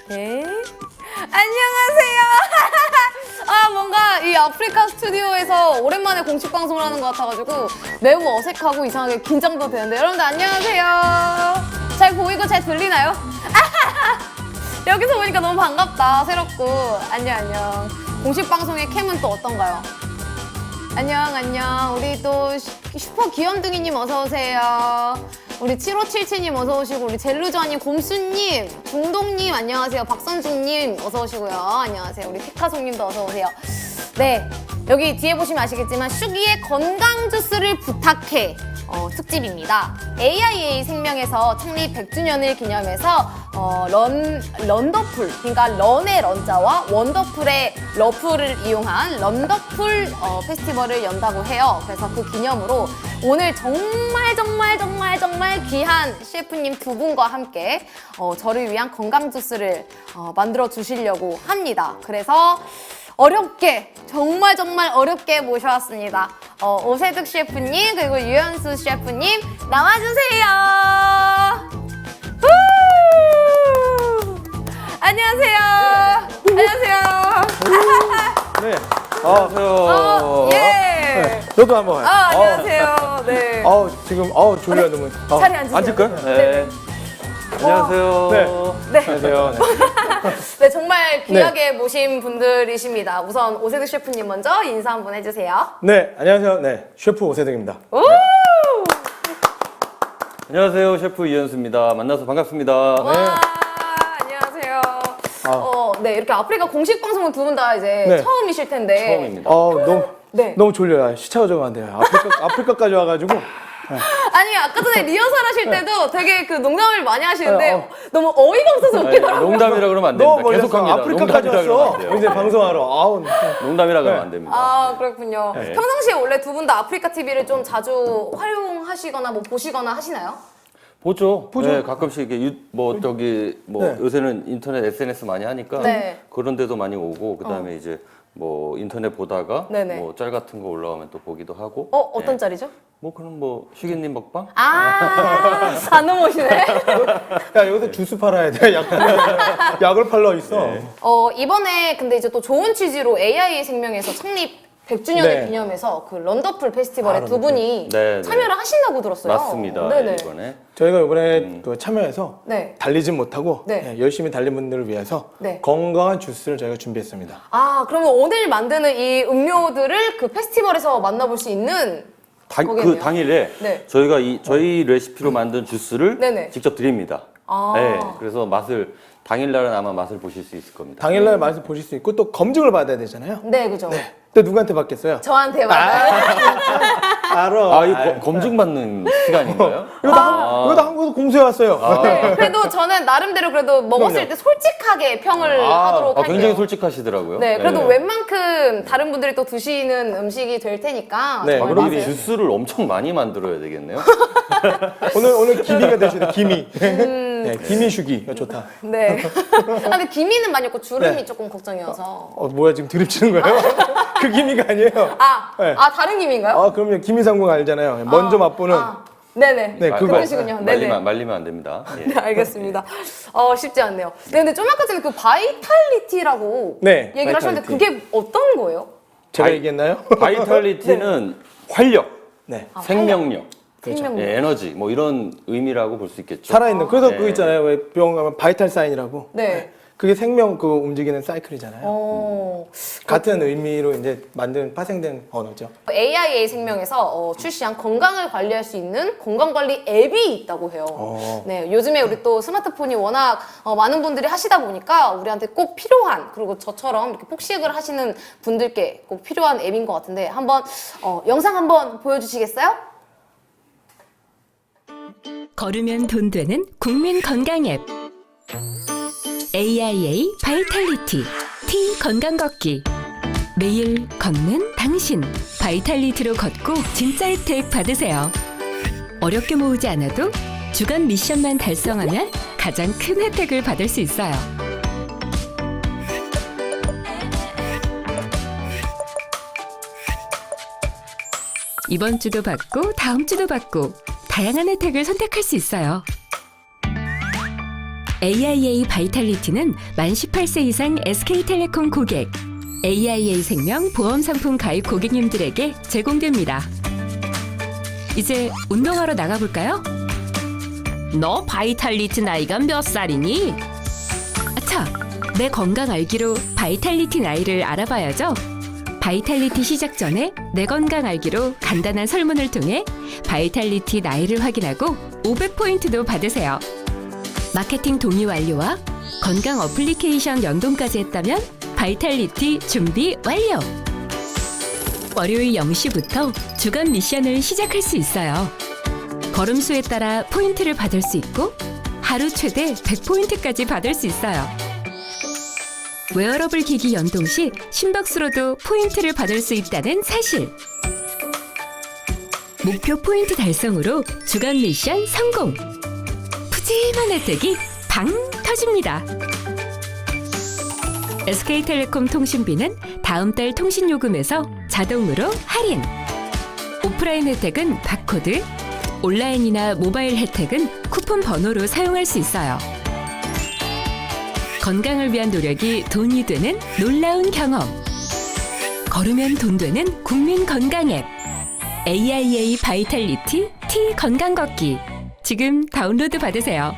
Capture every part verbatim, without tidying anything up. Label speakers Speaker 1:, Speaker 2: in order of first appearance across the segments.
Speaker 1: 네. 안녕하세요. 아, 뭔가 이 아프리카 스튜디오에서 오랜만에 공식 방송을 하는 것 같아가지고 매우 어색하고 이상하게 긴장도 되는데, 여러분들 안녕하세요. 잘 보이고 잘 들리나요? 여기서 보니까 너무 반갑다. 새롭고. 안녕 안녕. 공식 방송의 캠은 또 어떤가요? 안녕 안녕. 우리 또 슈퍼 귀염둥이님 어서 오세요. 우리 칠오칠칠님 어서 오시고, 우리 젤루저님, 곰수님, 중동님 안녕하세요. 박선중님 어서 오시고요. 안녕하세요. 우리 피카송님도 어서 오세요. 네, 여기 뒤에 보시면 아시겠지만 슈기의 건강 주스를 부탁해 어, 특집입니다. 에이아이에이 생명에서 창립 백 주년을 기념해서 어, 런, 런더풀, 그러니까 런의 런자와 원더풀의 러풀을 이용한 런더풀 어, 페스티벌을 연다고 해요. 그래서 그 기념으로 오늘 정말 정말 정말 정말 귀한 셰프님 두 분과 함께 어, 저를 위한 건강 주스를 어, 만들어 주시려고 합니다. 그래서 어렵게, 정말 정말 어렵게 모셔왔습니다. 어, 오세득 셰프님, 그리고 유현수 셰프님 나와주세요. 후! 안녕하세요. 안녕하세요.
Speaker 2: 네. 안녕하세요.
Speaker 1: 어, 예.
Speaker 2: 네. 저도 한번.
Speaker 1: 아, 안녕하세요. 네.
Speaker 2: 어, 지금 어 졸려요 너무. 어.
Speaker 1: 자리에 앉으세요.
Speaker 2: 앉을까요?
Speaker 1: 네.
Speaker 3: 안녕하세요.
Speaker 2: 네.
Speaker 1: 네.
Speaker 2: 안녕하세요. 네.
Speaker 1: 네, 정말 귀하게 모신 분들이십니다. 우선 오세득 셰프님 먼저 인사 한번 해주세요.
Speaker 2: 네, 안녕하세요. 네, 셰프 오세득입니다.
Speaker 1: 오!
Speaker 3: 안녕하세요. 셰프 이현수입니다. 만나서 반갑습니다.
Speaker 1: 와,
Speaker 2: 네.
Speaker 1: 안녕하세요.
Speaker 2: 아.
Speaker 1: 어, 네, 이렇게 아프리카 공식 방송은 두 분 다 이제
Speaker 2: 네.
Speaker 1: 처음이실 텐데.
Speaker 3: 처음입니다.
Speaker 2: 어, 너무
Speaker 1: 네.
Speaker 2: 너무 졸려요. 시차가 좀 안 돼요. 아프리카 아프리카까지 와가지고.
Speaker 1: 아니, 아까 전에 리허설 하실 때도 되게 그 농담을 많이 하시는데
Speaker 2: 네, 어.
Speaker 1: 너무 어이가 없어서
Speaker 3: 아니,
Speaker 1: 웃기더라고요.
Speaker 3: 농담이라 그러면 안
Speaker 2: 너무
Speaker 3: 됩니다.
Speaker 2: 멀렸어.
Speaker 3: 계속합니다.
Speaker 2: 아프리카까지
Speaker 3: 농담이라 그러면
Speaker 2: 왔어.
Speaker 3: 안 돼요.
Speaker 2: 이제 방송하러. 아우.
Speaker 3: 농담이라 그러면
Speaker 2: 네.
Speaker 3: 안 됩니다.
Speaker 1: 아, 그렇군요.
Speaker 3: 네.
Speaker 1: 평상시에 원래 두 분 다 아프리카 티비를 좀 자주 활용하시거나 뭐 보시거나 하시나요?
Speaker 3: 보죠.
Speaker 2: 보죠.
Speaker 3: 네, 가끔씩 이게 유, 뭐 저기 뭐
Speaker 2: 네.
Speaker 3: 요새는 인터넷 에스엔에스 많이 하니까
Speaker 1: 네.
Speaker 3: 그런 데도 많이 오고 그다음에 이제 뭐 인터넷 보다가
Speaker 1: 네네.
Speaker 3: 뭐 짤 같은 거 올라오면 또 보기도 하고.
Speaker 1: 어, 어떤
Speaker 3: 네.
Speaker 1: 짤이죠?
Speaker 3: 뭐 그럼 뭐 슈기님 먹방?
Speaker 1: 아, 안 넘어오시네.
Speaker 2: 야, 여기서 주스 팔아야 돼. 약 약을 팔러 있어.
Speaker 3: 네.
Speaker 1: 어, 이번에 근데 이제 또 좋은 취지로 에이아이에이 생명에서 창립 백 주년을
Speaker 2: 네.
Speaker 1: 기념해서 그 런더풀 페스티벌에
Speaker 2: 아,
Speaker 1: 두 분이
Speaker 3: 네, 네.
Speaker 1: 참여를 하신다고 들었어요.
Speaker 3: 맞습니다.
Speaker 1: 네네.
Speaker 3: 이번에.
Speaker 2: 저희가 이번에 그 참여해서
Speaker 1: 네.
Speaker 2: 달리진 못하고
Speaker 1: 네.
Speaker 2: 네, 열심히 달린 분들을 위해서
Speaker 1: 네.
Speaker 2: 건강한 주스를 저희가 준비했습니다.
Speaker 1: 아, 그러면 오늘 만드는 이 음료들을 그 페스티벌에서 만나볼 수 있는
Speaker 3: 당,
Speaker 1: 거겠네요.
Speaker 3: 그 당일에
Speaker 1: 네.
Speaker 3: 저희가 이 저희 레시피로 만든 주스를
Speaker 1: 네네.
Speaker 3: 직접 드립니다.
Speaker 1: 아.
Speaker 3: 네, 그래서 맛을 당일날은 아마 맛을 보실 수 있을 겁니다.
Speaker 2: 당일날 맛을 보실 수 있고 또 검증을 받아야 되잖아요.
Speaker 1: 네, 그죠.
Speaker 2: 또 누구한테 받겠어요?
Speaker 1: 저한테 맞아요.
Speaker 2: 알아.
Speaker 3: 아, 이거 거- 검증 받는 시간인가요?
Speaker 2: 이거 다, 한- 이거 다 한국에서 공수해 왔어요.
Speaker 1: 네, 그래도 저는 나름대로 그래도 먹었을
Speaker 2: 그럼요.
Speaker 1: 때 솔직하게 평을
Speaker 2: 아,
Speaker 1: 하도록
Speaker 3: 아,
Speaker 1: 할게요.
Speaker 3: 굉장히 솔직하시더라고요.
Speaker 1: 네, 그래도
Speaker 3: 네.
Speaker 1: 웬만큼 다른 분들이 또 드시는 음식이 될 테니까.
Speaker 2: 네,
Speaker 1: 저희
Speaker 3: 그럼
Speaker 1: 맛을-
Speaker 3: 이 주스를 엄청 많이 만들어야 되겠네요.
Speaker 2: 오늘 오늘 기미가 되시네. 기미.
Speaker 1: 음.
Speaker 2: 네, 기미 슈기. 이거 좋다.
Speaker 1: 네. 아, 근데 기미는 많이 없고 주름이
Speaker 2: 네.
Speaker 1: 조금 걱정이어서.
Speaker 2: 어 뭐야 지금 드립치는 거예요? 그 기미가 아니에요.
Speaker 1: 아,
Speaker 2: 네.
Speaker 1: 아 다른 기미인가요?
Speaker 2: 아 그럼요. 기미상궁 알잖아요. 먼저
Speaker 1: 아,
Speaker 2: 맛보는.
Speaker 1: 아, 네네.
Speaker 2: 네,
Speaker 3: 마-
Speaker 2: 그거.
Speaker 1: 그러시군요. 네네.
Speaker 3: 말리면, 말리면 안 됩니다. 예.
Speaker 1: 네, 알겠습니다. 어, 쉽지 않네요. 네, 근데 좀 아까 전에 그 바이탈리티라고
Speaker 2: 네,
Speaker 1: 얘기를 하셨는데
Speaker 2: 바이탈리티.
Speaker 1: 그게 어떤 거예요?
Speaker 2: 제가
Speaker 3: 바이-
Speaker 2: 얘기했나요?
Speaker 3: 바이탈리티는 활력,
Speaker 2: 네.
Speaker 1: 아,
Speaker 3: 생명력,
Speaker 1: 생명력.
Speaker 3: 예, 에너지 뭐 이런 의미라고 볼 수 있겠죠.
Speaker 2: 살아있는. 그래서
Speaker 3: 네.
Speaker 2: 그거 있잖아요. 왜 병원 가면 바이탈 사인이라고.
Speaker 1: 네.
Speaker 2: 그게 생명 그 움직이는 사이클이잖아요.
Speaker 1: 어,
Speaker 2: 같은 의미로 이제 만든 파생된 언어죠.
Speaker 1: 에이아이에이 생명에서 어, 출시한 건강을 관리할 수 있는 건강관리 앱이 있다고 해요.
Speaker 2: 어.
Speaker 1: 네, 요즘에 우리 또 스마트폰이 워낙 어, 많은 분들이 하시다 보니까 우리한테 꼭 필요한, 그리고 저처럼 이렇게 폭식을 하시는 분들께 꼭 필요한 앱인 것 같은데 한번 어, 영상 한번 보여주시겠어요?
Speaker 4: 걸으면 돈 되는 국민 건강 앱 에이아이에이 바이탈리티 T 건강 걷기. 매일 걷는 당신 바이탈리티로 걷고 진짜 혜택 받으세요. 어렵게 모으지 않아도 주간 미션만 달성하면 가장 큰 혜택을 받을 수 있어요. 이번 주도 받고 다음 주도 받고 다양한 혜택을 선택할 수 있어요. 에이아이에이 바이탈리티는 만 십팔 세 이상 에스케이텔레콤 고객, 에이아이에이 생명 보험 상품 가입 고객님들에게 제공됩니다. 이제 운동하러 나가볼까요? 너 바이탈리티 나이가 몇 살이니? 아차, 내 건강 알기로 바이탈리티 나이를 알아봐야죠. 바이탈리티 시작 전에 내 건강 알기로 간단한 설문을 통해 바이탈리티 나이를 확인하고 오백 포인트도 받으세요. 마케팅 동의 완료와 건강 어플리케이션 연동까지 했다면 바이탈리티 준비 완료! 월요일 영 시부터 주간 미션을 시작할 수 있어요. 걸음수에 따라 포인트를 받을 수 있고 하루 최대 백 포인트까지 받을 수 있어요. 웨어러블 기기 연동 시 심박수로도 포인트를 받을 수 있다는 사실. 목표 포인트 달성으로 주간 미션 성공! 푸짐한 혜택이 방 터집니다. 에스케이텔레콤 통신비는 다음 달 통신요금에서 자동으로 할인. 오프라인 혜택은 바코드, 온라인이나 모바일 혜택은 쿠폰 번호로 사용할 수 있어요. 건강을 위한 노력이 돈이 되는 놀라운 경험. 걸으면 돈 되는 국민 건강 앱. 에이아이에이 바이탈리티 T 건강 걷기. 지금 다운로드 받으세요.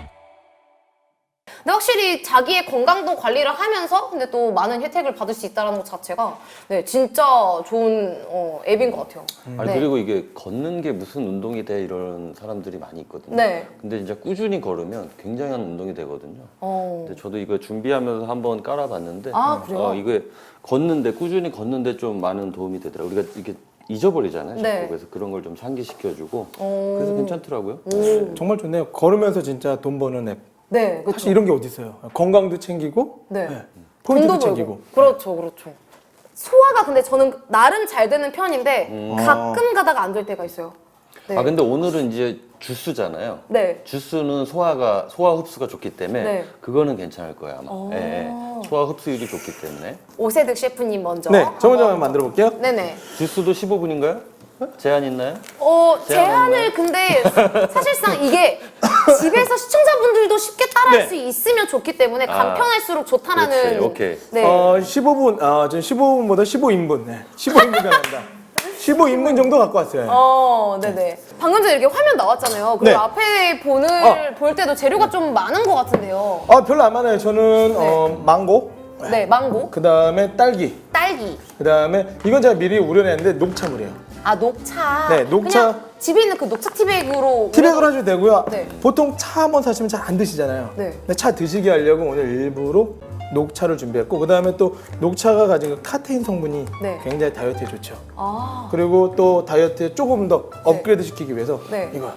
Speaker 1: 근데 확실히 자기의 건강도 관리를 하면서 근데 또 많은 혜택을 받을 수 있다는 것 자체가 네 진짜 좋은 어, 앱인 것 같아요.
Speaker 3: 아니
Speaker 1: 네.
Speaker 3: 그리고 이게 걷는 게 무슨 운동이 돼 이런 사람들이 많이 있거든요.
Speaker 1: 네.
Speaker 3: 근데 진짜 꾸준히 걸으면 굉장한 운동이 되거든요.
Speaker 1: 어.
Speaker 3: 근데 저도 이거 준비하면서 한번 깔아봤는데
Speaker 1: 아, 그래요?
Speaker 3: 어, 이게 걷는데 꾸준히 걷는데 좀 많은 도움이 되더라고요. 우리가 이게 잊어버리잖아요. 자꾸.
Speaker 1: 네.
Speaker 3: 그래서 그런 걸 좀 상기시켜주고
Speaker 1: 어.
Speaker 3: 그래서 괜찮더라고요.
Speaker 1: 오.
Speaker 2: 정말 좋네요. 걸으면서 진짜 돈 버는 앱.
Speaker 1: 네, 그렇죠.
Speaker 2: 사실 이런 게 어디 있어요. 건강도 챙기고
Speaker 1: 네.
Speaker 2: 포인트도
Speaker 1: 돈도
Speaker 2: 챙기고.
Speaker 1: 벌고. 그렇죠, 그렇죠. 소화가 근데 저는 나름 잘 되는 편인데
Speaker 3: 음.
Speaker 1: 가끔 가다가 안 될 때가 있어요. 네.
Speaker 3: 아 근데 오늘은 이제 주스잖아요.
Speaker 1: 네.
Speaker 3: 주스는 소화가 소화 흡수가 좋기 때문에
Speaker 1: 네.
Speaker 3: 그거는 괜찮을 거예요 아마.
Speaker 1: 오.
Speaker 3: 예, 예. 소화 흡수율이 좋기 때문에.
Speaker 1: 오세득 셰프님 먼저.
Speaker 2: 네, 저 먼저
Speaker 1: 한번
Speaker 2: 한번 만들어 볼게요.
Speaker 1: 네네.
Speaker 3: 주스도 십오 분인가요? 제한 있나요?
Speaker 1: 어,
Speaker 3: 제한
Speaker 1: 제한을 근데 사실상 이게 집에서 시청자분들도 쉽게 따라할
Speaker 2: 네.
Speaker 1: 수 있으면 좋기 때문에
Speaker 3: 아.
Speaker 1: 간편할수록 좋다라는.
Speaker 3: 그렇지, 오케이.
Speaker 1: 네.
Speaker 2: 어, 십오 분, 아, 저 십오 분보다 십오 인분. 네. 십오 인분 가난다. 십오 인분 정도 갖고 왔어요.
Speaker 1: 어, 네네. 방금 전에 이렇게 화면 나왔잖아요. 그리고
Speaker 2: 네.
Speaker 1: 앞에 보는
Speaker 2: 어.
Speaker 1: 볼 때도 재료가 좀 많은 것 같은데요.
Speaker 2: 아, 별로 안 많아요. 저는 어, 망고,
Speaker 1: 네, 망고,
Speaker 2: 그 다음에 딸기,
Speaker 1: 딸기,
Speaker 2: 그 다음에 이건 제가 미리 우려냈는데 녹차물이에요.
Speaker 1: 아 녹차.
Speaker 2: 네, 녹차.
Speaker 1: 그냥 집에 있는 그 녹차 티백으로.
Speaker 2: 티백으로 하셔도 되고요.
Speaker 1: 네.
Speaker 2: 보통 차 한번 사시면 잘 안 드시잖아요.
Speaker 1: 네.
Speaker 2: 근데 차 드시게 하려고 오늘 일부러 녹차를 준비했고, 그 다음에 또 녹차가 가진 그 카테인 성분이
Speaker 1: 네.
Speaker 2: 굉장히 다이어트에 좋죠.
Speaker 1: 아,
Speaker 2: 그리고 또 다이어트에 조금 더 업그레이드 시키기 위해서
Speaker 1: 네.
Speaker 2: 이거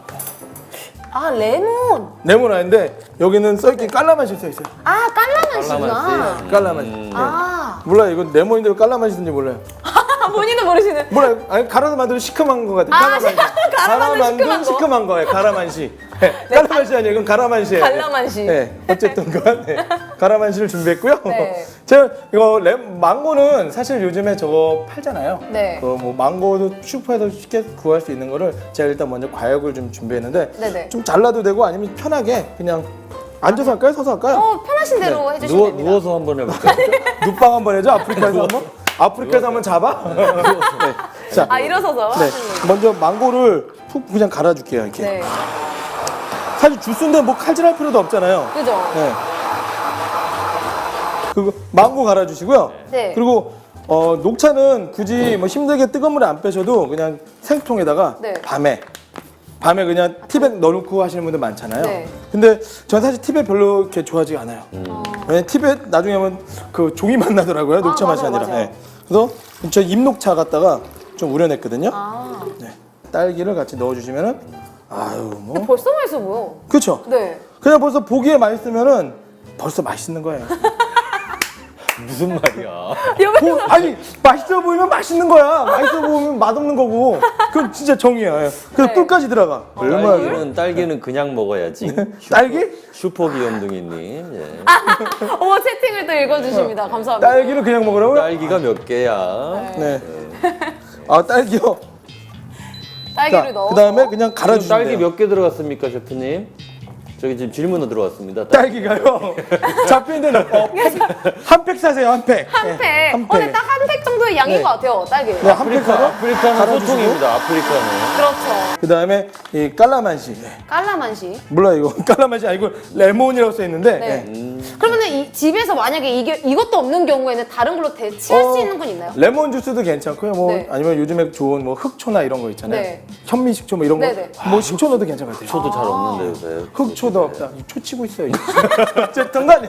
Speaker 1: 아 레몬.
Speaker 2: 레몬 아닌데 여기는 써있긴 깔라맛이 써있어요.
Speaker 1: 아 깔라맛이구나.
Speaker 3: 깔라맛이.
Speaker 2: 깔라맛이.
Speaker 3: 음.
Speaker 2: 네.
Speaker 1: 아,
Speaker 2: 몰라요. 이건 레몬인데 왜 깔라맛이든지 몰라요.
Speaker 1: 본인도 모르시는.
Speaker 2: 몰라요. 아니 갈아서 만들면 시큼한 거 같아요.
Speaker 1: 아,
Speaker 2: 깔라만시.
Speaker 1: 갈아 만든
Speaker 2: 만든
Speaker 1: 시큼한 거.
Speaker 2: 시큼한 거예요. 가라만시. 네. 깔라만시 아니에요. 이건 가라만시예요.
Speaker 1: 갈라만시.
Speaker 2: 네. 어쨌든 그 네. 가라만시를 준비했고요.
Speaker 1: 네.
Speaker 2: 제가 이거 레, 망고는 사실 요즘에 저거 팔잖아요.
Speaker 1: 네.
Speaker 2: 그 뭐 망고도 슈퍼에서 쉽게 구할 수 있는 거를 제가 일단 먼저 과육을 좀 준비했는데
Speaker 1: 네네.
Speaker 2: 좀 잘라도 되고 아니면 편하게 그냥 앉아서 할까요? 서서 할까요?
Speaker 1: 어 편하신 대로 해주시면
Speaker 3: 누워,
Speaker 1: 됩니다.
Speaker 3: 누워서 한번 해볼까요?
Speaker 2: 눕방 한번 해줘. 아프리카에서 한번. 아프리카에서 한번 잡아. 네. 자,
Speaker 1: 아 일어서서.
Speaker 2: 네.
Speaker 1: 하시는 얘기.
Speaker 2: 먼저 망고를 푹 그냥 갈아줄게요. 이렇게.
Speaker 1: 네.
Speaker 2: 사실 주스인데 뭐 칼질할 필요도 없잖아요.
Speaker 1: 그죠.
Speaker 2: 네. 그리고 망고 갈아주시고요.
Speaker 1: 네.
Speaker 2: 그리고 어, 녹차는 굳이 뭐 힘들게 뜨거운 물에 안 빼셔도 그냥 생통에다가
Speaker 1: 네.
Speaker 2: 밤에 밤에 그냥 티백 넣어놓고 하시는 분들 많잖아요.
Speaker 1: 네.
Speaker 2: 근데 저는 사실 티백 별로 이렇게 좋아하지 않아요.
Speaker 3: 음.
Speaker 2: 왜냐면 티백 나중에 하면 그 종이 맛 나더라고요. 녹차
Speaker 1: 아,
Speaker 2: 맛이
Speaker 1: 맞아요,
Speaker 2: 아니라.
Speaker 1: 맞아요.
Speaker 2: 네. 그래서 저 잎녹차 갖다가 좀 우려냈거든요.
Speaker 1: 아.
Speaker 2: 네. 딸기를 같이 넣어주시면은 아유 뭐
Speaker 1: 근데 벌써 맛있어 보여.
Speaker 2: 그렇죠.
Speaker 1: 네.
Speaker 2: 그냥 벌써 보기에 맛있으면은 벌써 맛있는 거예요.
Speaker 3: 무슨 말이야?
Speaker 2: 보, 아니 맛있어 보이면 맛있는 거야. 맛있어 보이면 맛없는 거고. 그건 진짜 정이야. 그래서
Speaker 1: 네.
Speaker 2: 꿀까지 들어가. 얼마나 그래?
Speaker 3: 딸기는 딸기는 그냥 먹어야지. 슈퍼,
Speaker 2: 딸기?
Speaker 3: 슈퍼 귀염둥이님. 예.
Speaker 1: 어머 채팅을 또 읽어주십니다. 감사합니다.
Speaker 2: 딸기를 그냥 먹으라고요?
Speaker 3: 딸기가 몇 개야?
Speaker 2: 네. 아 딸기요.
Speaker 1: 딸기를
Speaker 2: 자,
Speaker 1: 넣어.
Speaker 2: 그 다음에 그냥
Speaker 3: 지금
Speaker 2: 갈아주시면
Speaker 3: 딸기
Speaker 2: 돼요.
Speaker 3: 몇 개 들어갔습니까, 셰프님? 저기 지금 질문으로 들어왔습니다.
Speaker 2: 딸기가요. 잡히는 데는 어, 한 팩 사세요, 한 팩.
Speaker 1: 한
Speaker 2: 네,
Speaker 1: 팩.
Speaker 2: 한
Speaker 1: 어, 근데
Speaker 2: 팩.
Speaker 1: 딱 한 팩 정도의 양인
Speaker 2: 네.
Speaker 1: 것 같아요, 딸기.
Speaker 2: 네, 한 팩 사서
Speaker 3: 아프리카는
Speaker 2: 갈아주시고.
Speaker 3: 소통입니다. 아프리카는.
Speaker 1: 그렇죠.
Speaker 2: 그 다음에 이 깔라만시. 네.
Speaker 1: 깔라만시.
Speaker 2: 몰라 이거 깔라만시 아니고 레몬이라고 써 있는데.
Speaker 1: 네.
Speaker 2: 네.
Speaker 1: 그러면은 이 집에서 만약에 이게 이것도 없는 경우에는 다른 걸로 대체할
Speaker 2: 어,
Speaker 1: 수 있는 건 있나요?
Speaker 2: 레몬 주스도 괜찮고요. 뭐
Speaker 1: 네.
Speaker 2: 아니면 요즘에 좋은 뭐 흑초나 이런 거 있잖아요.
Speaker 1: 네.
Speaker 2: 현미식초 뭐 이런 거.
Speaker 1: 네네.
Speaker 2: 뭐 식초 넣어도 괜찮을 것 같아요.
Speaker 3: 저도 잘 없는데 요새.
Speaker 2: 흑초도 없다. 초 치고 있어요. 어쨌든 간에.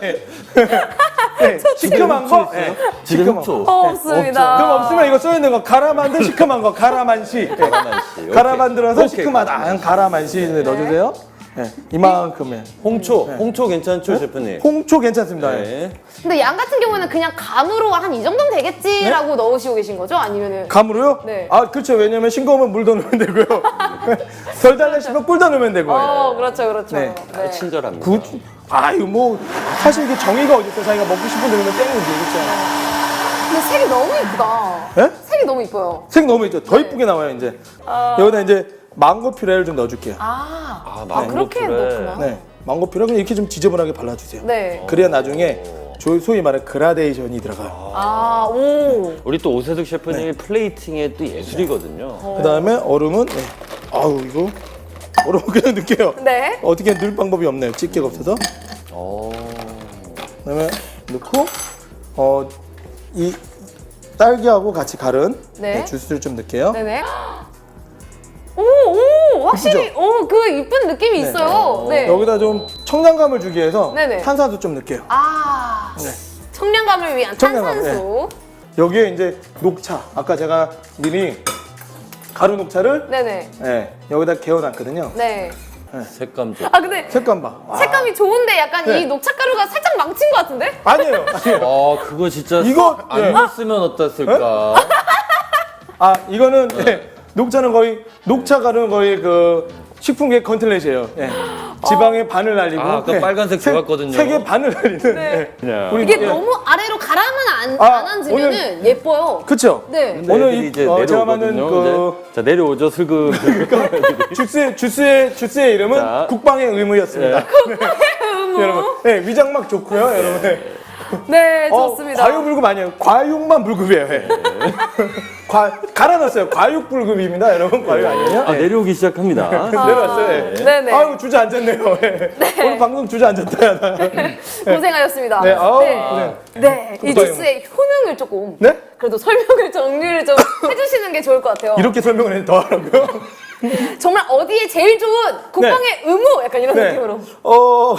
Speaker 2: 네, 시큼한 거. 네,
Speaker 3: 집에
Speaker 2: 시큼한
Speaker 3: 흑초.
Speaker 2: 거.
Speaker 1: 어, 없습니다.
Speaker 2: 그럼 없으면 이거 써 있는 거 갈아 만든 시큼한 거 가라만시. 네.
Speaker 3: 가라만시.
Speaker 2: 갈아
Speaker 3: 오케이.
Speaker 2: 만들어서
Speaker 3: 오케이.
Speaker 2: 시큼하다. 가라만시 네, 넣어주세요. 네, 이만큼에.
Speaker 3: 홍초, 홍초 괜찮죠, 셰프님?
Speaker 2: 홍초 괜찮습니다. 네.
Speaker 3: 네.
Speaker 1: 근데 양 같은 경우에는 그냥 감으로 한 이 정도면 되겠지라고 넣으시고 계신 거죠? 아니면은
Speaker 2: 감으로요?
Speaker 1: 네.
Speaker 2: 아 그렇죠. 왜냐면 싱거우면 물 더 넣으면 되고요. 덜 달라시면 꿀 더 넣으면 되고요.
Speaker 1: 어, 그렇죠, 그렇죠.
Speaker 2: 네.
Speaker 3: 아, 친절합니다.
Speaker 2: 구, 아유 뭐 사실 이게 정의가 어디 있어요. 자기가 먹고 싶은 대로 넣으면 땡이지 그렇죠.
Speaker 1: 근데 색이 너무 이쁘다.
Speaker 2: 네?
Speaker 1: 색이 너무 이뻐요.
Speaker 2: 색 너무 있죠. 더
Speaker 1: 네.
Speaker 2: 이쁘게 나와요 이제.
Speaker 1: 아.
Speaker 2: 여기다 이제 망고 퓨레를 좀 넣어줄게요.
Speaker 1: 아,
Speaker 3: 아,
Speaker 1: 아,
Speaker 3: 망고
Speaker 1: 그렇게
Speaker 3: 퓨레.
Speaker 1: 넣구나.
Speaker 2: 네, 망고 퓨레 그냥 이렇게 좀 지저분하게 발라주세요.
Speaker 1: 네.
Speaker 2: 그래야 나중에 조- 소위 말해 그라데이션이 들어가요.
Speaker 1: 아, 오.
Speaker 3: 우리 또 오세득 셰프님이 플레이팅의 또 예술이거든요.
Speaker 2: 그 다음에 얼음은 네. 아우 이거 얼음 그냥 넣을게요.
Speaker 1: 네.
Speaker 2: 어떻게 넣을 방법이 없네요. 집게가 없어서.
Speaker 3: 오.
Speaker 2: 그다음에 넣고 어 이 딸기하고 같이 갈은
Speaker 1: 네.
Speaker 2: 네, 주스를 좀 넣을게요.
Speaker 1: 네네. 오, 오, 확실히, 오, 그 이쁜 느낌이
Speaker 2: 네.
Speaker 1: 있어요. 네.
Speaker 2: 여기다 좀 청량감을 주기 위해서
Speaker 1: 네네.
Speaker 2: 탄산수 좀 넣을게요.
Speaker 1: 아,
Speaker 2: 네.
Speaker 1: 청량감을 위한
Speaker 2: 청량감,
Speaker 1: 탄산수.
Speaker 2: 여기에 이제 녹차. 아까 제가 미리 가루 녹차를
Speaker 1: 네네.
Speaker 2: 네, 여기다 개어놨거든요.
Speaker 1: 네.
Speaker 3: 색감 좋.
Speaker 1: 아, 근데
Speaker 2: 색감 봐. 와.
Speaker 1: 색감이 좋은데 약간
Speaker 2: 네.
Speaker 1: 이 녹차가루가 살짝 망친 것 같은데?
Speaker 2: 아니에요. 아니에요.
Speaker 3: 아, 그거 진짜
Speaker 2: 이거,
Speaker 3: 안
Speaker 2: 네.
Speaker 3: 넣었으면 어땠을까?
Speaker 2: 아 이거는 네, 녹차는 거의 녹차 가루는 거의 그 식품계 컨틀렛이에요. 예. 지방의 반을 날리고
Speaker 3: 아, 아까 빨간색
Speaker 2: 세-
Speaker 3: 좋았거든요.
Speaker 2: 세계 반을 날리는. 예.
Speaker 3: 그냥.
Speaker 2: 우리
Speaker 1: 이게
Speaker 2: 예.
Speaker 1: 너무 아래로 가라면 안,
Speaker 2: 아,
Speaker 1: 안 앉으면은 예뻐요.
Speaker 2: 그쵸?
Speaker 1: 네.
Speaker 3: 근데
Speaker 2: 오늘
Speaker 3: 애들이
Speaker 2: 이-
Speaker 3: 이제
Speaker 2: 어, 제가 만든
Speaker 3: 내려오거든요.
Speaker 2: 그-
Speaker 3: 이제. 자, 내려오죠, 슬금.
Speaker 2: 주스의 주스의 주스의 이름은
Speaker 3: 자.
Speaker 2: 국방의 의무였습니다. 네. 여러분, 네, 위장막 좋고요, 여러분.
Speaker 1: 네,
Speaker 2: 어,
Speaker 1: 좋습니다.
Speaker 2: 과유불급 아니에요. 과육만 불급이에요. 예. 과 갈아놨어요. 과육불급입니다, 여러분. 과육 아니에요?
Speaker 3: 아,
Speaker 2: 예.
Speaker 3: 내려오기 시작합니다.
Speaker 2: 내려왔어요. 예.
Speaker 1: 네네.
Speaker 2: 아유 주저앉았네요. 예. 오늘 방송 주저앉았다. 나.
Speaker 1: 고생하셨습니다.
Speaker 2: 네, 아우,
Speaker 1: 네. 네, 이
Speaker 2: 국방의
Speaker 1: 주스의 효능을 조금
Speaker 2: 네?
Speaker 1: 그래도 설명을 정리를 좀 해주시는 게 좋을 것 같아요.
Speaker 2: 이렇게 설명을 해도 더 하라고요?
Speaker 1: 정말 어디에 제일 좋은 국방의 의무 약간 이런
Speaker 2: 네.
Speaker 1: 느낌으로.
Speaker 2: 어.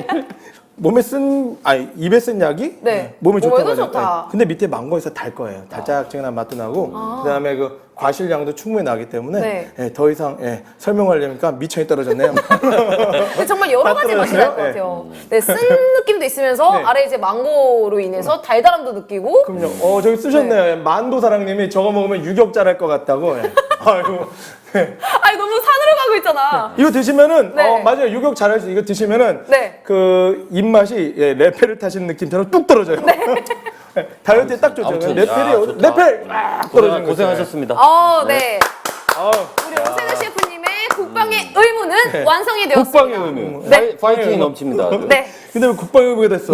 Speaker 2: 몸에 쓴, 아니, 입에 쓴 약이
Speaker 1: 네.
Speaker 2: 몸에 좋다고
Speaker 1: 몸에도
Speaker 2: 하죠.
Speaker 1: 좋다.
Speaker 2: 네. 근데 밑에 망고에서 달 거예요. 달짝지근한 맛도 나고, 그 다음에 그 과실량도 충분히 나기 때문에,
Speaker 1: 네.
Speaker 2: 예, 더 이상, 예, 설명하려니까 미천이 떨어졌네요.
Speaker 1: 근데 정말 여러
Speaker 2: 다
Speaker 1: 가지 맛이
Speaker 2: 떨어졌어요?
Speaker 1: 날 것
Speaker 2: 네.
Speaker 1: 같아요. 네, 쓴 느낌도 있으면서
Speaker 2: 네.
Speaker 1: 아래 이제 망고로 인해서 달달함도 느끼고.
Speaker 2: 그럼요. 어, 저기 쓰셨네요. 예, 만도사랑님이 저거 먹으면 유격자랄 것 같다고. 예. 아이고. 예.
Speaker 1: 아니 너무 산으로 가고 있잖아.
Speaker 2: 이거 드시면은,
Speaker 1: 네.
Speaker 2: 어, 맞아요. 유격 잘할 수, 이거 드시면은,
Speaker 1: 네.
Speaker 2: 그, 입맛이, 예, 레페를 타시는 느낌처럼 뚝 떨어져요. 예, 다이어트에 딱 좋죠.
Speaker 3: 아무튼,
Speaker 2: 레펠이,
Speaker 3: 야, 좋다.
Speaker 2: 레펠! 딱 떨어지는
Speaker 3: 고생,
Speaker 2: 거죠.
Speaker 3: 고생하셨습니다.
Speaker 1: 어, 네.
Speaker 2: 아우.
Speaker 1: 우리 오세드 셰프님의 국방의 의무는 완성이 되었습니다.
Speaker 3: 국방의 의무.
Speaker 1: 네.
Speaker 3: 파이- 파이팅이 넘칩니다. 아주.
Speaker 1: 네.
Speaker 2: 근데 왜 국방의무가 됐어?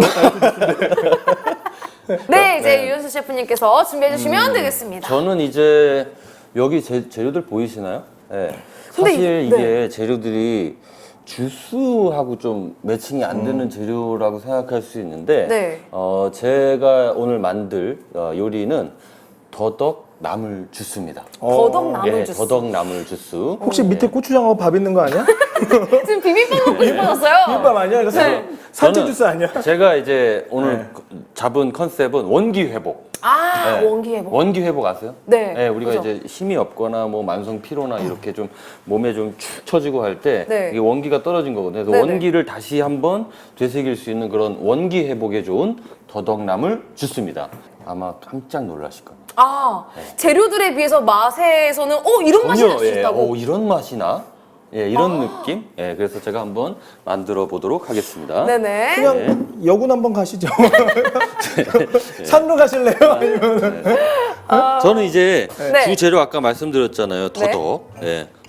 Speaker 1: 네, 이제 유현수 셰프님께서 준비해 주시면 되겠습니다.
Speaker 3: 저는 이제 여기 재, 재료들 보이시나요? 예.
Speaker 1: 근데
Speaker 3: 사실
Speaker 1: 이-
Speaker 3: 이게
Speaker 1: 네.
Speaker 3: 재료들이 주스하고 좀 매칭이 안 되는 재료라고 생각할 수 있는데
Speaker 1: 네.
Speaker 3: 어, 제가 오늘 만들 어, 요리는 더덕 나물 주스입니다.
Speaker 1: 더덕 나물
Speaker 3: 예,
Speaker 1: 주스.
Speaker 3: 더덕 나물 주스.
Speaker 2: 혹시 밑에 고추장하고 밥 있는 거 아니야?
Speaker 1: 지금 비빔밥 먹고 싶어졌어요.
Speaker 2: 비빔밥 아니야? 이거 산-
Speaker 1: 네.
Speaker 2: 산채
Speaker 3: 저는
Speaker 2: 주스 아니야?
Speaker 3: 제가 이제 오늘
Speaker 2: 네.
Speaker 3: 잡은 컨셉은 원기 회복.
Speaker 1: 아,
Speaker 3: 네.
Speaker 1: 원기 회복.
Speaker 3: 원기 회복 아세요?
Speaker 1: 네,
Speaker 3: 우리가
Speaker 1: 그죠.
Speaker 3: 이제 힘이 없거나 뭐 만성 피로나 이렇게 좀 몸에 좀 축 처지고 할 때
Speaker 1: 네.
Speaker 3: 이게 원기가 떨어진 거거든요. 그래서
Speaker 1: 네네.
Speaker 3: 원기를 다시 한번 되새길 수 있는 그런 원기 회복에 좋은 더덕나물 주스입니다. 아마 깜짝 놀라실 겁니다.
Speaker 1: 아, 재료들에 비해서 맛에서는 어 이런 맛이 날 수
Speaker 3: 예,
Speaker 1: 있다고.
Speaker 3: 오, 이런 맛이 나? 예, 이런
Speaker 1: 아.
Speaker 3: 느낌? 예, 그래서 제가 한번 만들어 보도록 하겠습니다.
Speaker 1: 네네.
Speaker 2: 그냥 여군 한번 가시죠. 산으로 가실래요? 아니면
Speaker 3: 저는 이제
Speaker 1: 네.
Speaker 3: 주 재료 아까 말씀드렸잖아요. 더덕. 예.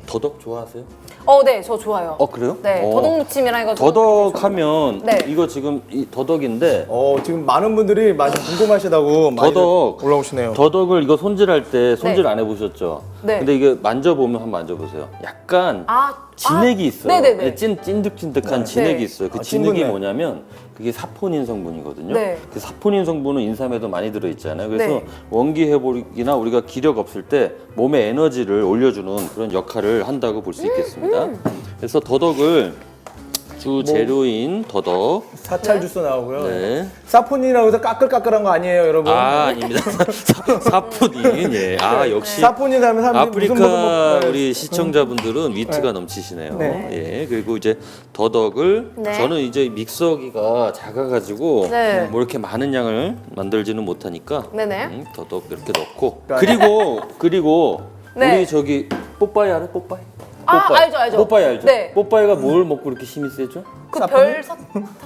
Speaker 3: 더덕 좋아하세요?
Speaker 1: 어, 네, 저 좋아요.
Speaker 3: 어 그래요?
Speaker 1: 네,
Speaker 3: 어.
Speaker 1: 더덕 무침이랑 해가지고.
Speaker 3: 더덕하면
Speaker 1: 네.
Speaker 3: 이거 지금 이 더덕인데
Speaker 2: 어, 지금 많은 분들이 많이 궁금하시다고 많이
Speaker 3: 더덕
Speaker 2: 올라오시네요.
Speaker 3: 더덕을 이거 손질할 때 손질
Speaker 1: 네.
Speaker 3: 안 해보셨죠?
Speaker 1: 네.
Speaker 3: 근데 이게 만져보면 한번 만져보세요. 약간
Speaker 1: 아,
Speaker 3: 진액이
Speaker 1: 아,
Speaker 3: 있어요.
Speaker 1: 네네네.
Speaker 3: 예, 찐 찐득찐득한
Speaker 2: 네.
Speaker 3: 진액이
Speaker 1: 네.
Speaker 3: 있어요. 그
Speaker 2: 아,
Speaker 3: 진액이
Speaker 2: 찐득네.
Speaker 3: 뭐냐면 그게 사포닌 성분이거든요.
Speaker 1: 네.
Speaker 3: 그 사포닌 성분은 인삼에도 많이 들어 있잖아요. 그래서
Speaker 1: 네.
Speaker 3: 원기 회복이나 우리가 기력 없을 때 몸의 에너지를 올려주는 그런 역할을 한다고 볼 수 있겠습니다.
Speaker 1: 음.
Speaker 3: 그래서 더덕을 주 재료인 더덕.
Speaker 2: 사찰
Speaker 1: 네.
Speaker 2: 주스 나오고요.
Speaker 3: 네.
Speaker 2: 사포닌이라고 해서 까끌까끌한 거 아니에요, 여러분.
Speaker 3: 아 아닙니다. 사- 사포닌. 예. 아 역시.
Speaker 2: 사포닌 하면 사람들이
Speaker 3: 아프리카
Speaker 2: 무슨 먹으면 뭐-
Speaker 3: 우리 시청자분들은 위트가 넘치시네요.
Speaker 2: 네.
Speaker 3: 예, 그리고 이제 더덕을
Speaker 1: 네.
Speaker 3: 저는 이제 믹서기가 작아가지고
Speaker 1: 네.
Speaker 3: 뭐 이렇게 많은 양을 만들지는 못하니까
Speaker 1: 네네.
Speaker 3: 음, 더덕 이렇게 넣고
Speaker 2: 네.
Speaker 3: 그리고 그리고
Speaker 1: 네.
Speaker 3: 우리 저기 뽀빠이 알아? 뽀빠이?
Speaker 1: 아,
Speaker 3: 뽀빠이.
Speaker 1: 알죠, 알죠.
Speaker 3: 뽀빠이 알죠?
Speaker 1: 네.
Speaker 3: 뽀빠이가 뭘 먹고 이렇게 힘이 세죠?
Speaker 1: 그 별사탕.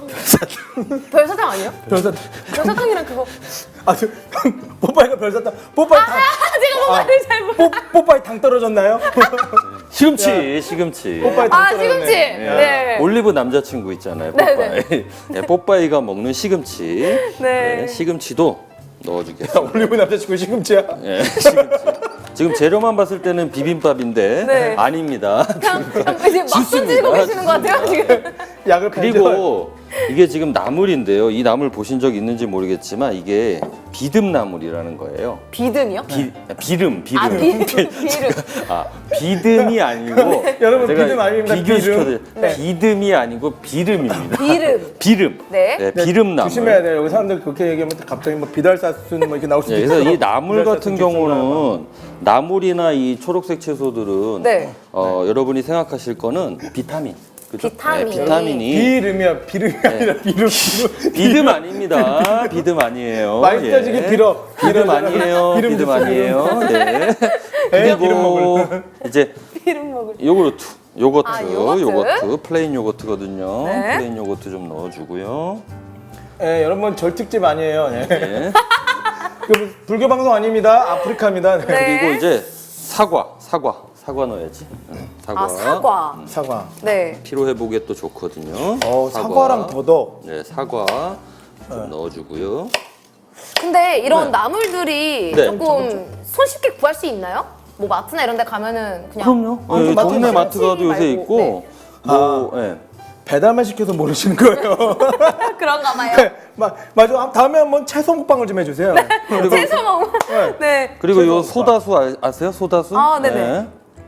Speaker 1: 별사탕 아니에요?
Speaker 2: 별사탕.
Speaker 1: 별사탕이랑 그거.
Speaker 2: 아, 저, 뽀빠이가 별사탕. 뽀빠이 당.
Speaker 1: 아, 제가 뭐 말을 잘못.
Speaker 2: 뽀, 뽀빠이 당 떨어졌나요?
Speaker 3: 시금치, 시금치.
Speaker 2: 뽀빠이 당
Speaker 1: 아,
Speaker 2: 떨어졌네.
Speaker 1: 시금치. 네.
Speaker 3: 올리브 남자친구 있잖아요.
Speaker 1: 네,
Speaker 3: 뽀빠이. 네, 뽀빠이가 먹는 시금치.
Speaker 1: 네.
Speaker 3: 네, 시금치도 넣어주겠습니다.
Speaker 2: 올리브 남자친구 시금치야.
Speaker 3: 예, 시금치. 지금 재료만 봤을 때는 비빔밥인데
Speaker 1: 네.
Speaker 3: 아닙니다.
Speaker 1: 그냥, 그냥 이제 막
Speaker 3: 좋습니다.
Speaker 1: 던지고 계시는 것 같아요, 지금.
Speaker 2: 약을
Speaker 3: 그리고 이게 지금 나물인데요. 이 나물 보신 적 있는지 모르겠지만 이게 비듬나물이라는 거예요.
Speaker 1: 비듬이요?
Speaker 3: 비, 비름, 비름.
Speaker 1: 아, 비름. 비름.
Speaker 3: 아, 비듬이 아니고
Speaker 2: 여러분,
Speaker 3: 제가
Speaker 2: 비듬 아닙니다.
Speaker 3: 비교시켜드려요.
Speaker 1: 네.
Speaker 3: 비듬이 아니고 비름입니다.
Speaker 1: 비름.
Speaker 3: 비름.
Speaker 1: 네.
Speaker 3: 네, 비름나물.
Speaker 2: 조심해야 돼요. 여기 사람들 그렇게 얘기하면 갑자기 뭐 비달사순 뭐 이렇게 나올 수도
Speaker 3: 예,
Speaker 2: 있어요.
Speaker 3: 그래서 이 나물
Speaker 2: 비달사순
Speaker 3: 같은
Speaker 2: 직수나
Speaker 3: 경우는 나물이나 이 초록색 채소들은
Speaker 1: 네.
Speaker 3: 어, 여러분이 생각하실 거는 비타민. 그죠?
Speaker 1: 비타민.
Speaker 3: 네, 비타민이
Speaker 2: 비름이야. 비름이 아니라 비름. 비름.
Speaker 3: 비듬 아닙니다. 비듬 아니에요.
Speaker 2: 많이 떠지게 빌어.
Speaker 3: 비듬
Speaker 2: 빌어.
Speaker 3: 아니에요.
Speaker 2: 비름
Speaker 3: 비듬
Speaker 2: 주스,
Speaker 3: 아니에요. 네.
Speaker 2: 에, 비름
Speaker 3: 그리고
Speaker 2: 먹을.
Speaker 3: 이제
Speaker 1: 비름 먹을.
Speaker 3: 요구르트. 요거트,
Speaker 1: 아, 요거트?
Speaker 3: 요거트, 플레인 요거트거든요.
Speaker 1: 네.
Speaker 3: 플레인 요거트 좀 넣어주고요.
Speaker 2: 예, 여러분 절특집 아니에요. 예.
Speaker 3: 네.
Speaker 2: 그 불교 방송 아닙니다. 아프리카입니다. 네.
Speaker 1: 네.
Speaker 3: 그리고 이제 사과, 사과, 사과 넣어야지. 응, 사과.
Speaker 1: 아, 사과.
Speaker 2: 사과.
Speaker 1: 네.
Speaker 3: 피로 회복에 또 좋거든요.
Speaker 2: 어, 사과랑 더덕.
Speaker 3: 네, 사과 좀 넣어주고요.
Speaker 1: 근데 이런
Speaker 3: 네.
Speaker 1: 나물들이
Speaker 3: 네.
Speaker 1: 조금 손쉽게 구할 수 있나요? 뭐 마트나 이런 데 가면은 그냥
Speaker 3: 그럼요.
Speaker 2: 어,
Speaker 3: 네,
Speaker 2: 마트
Speaker 3: 동네
Speaker 2: 가서
Speaker 3: 마트 가도 요새
Speaker 1: 말고,
Speaker 3: 있고,
Speaker 1: 네.
Speaker 3: 뭐, 예.
Speaker 2: 배달만 시켜서 모르시는 거예요.
Speaker 1: 그런가 봐요.
Speaker 2: 네, 마, 맞아. 다음에 한번 채소 먹방을 좀 해주세요.
Speaker 1: 채소 먹으면. 네.
Speaker 3: 그리고 요
Speaker 2: 채소
Speaker 3: 소다수 아, 아세요? 소다수?
Speaker 1: 아, 네네.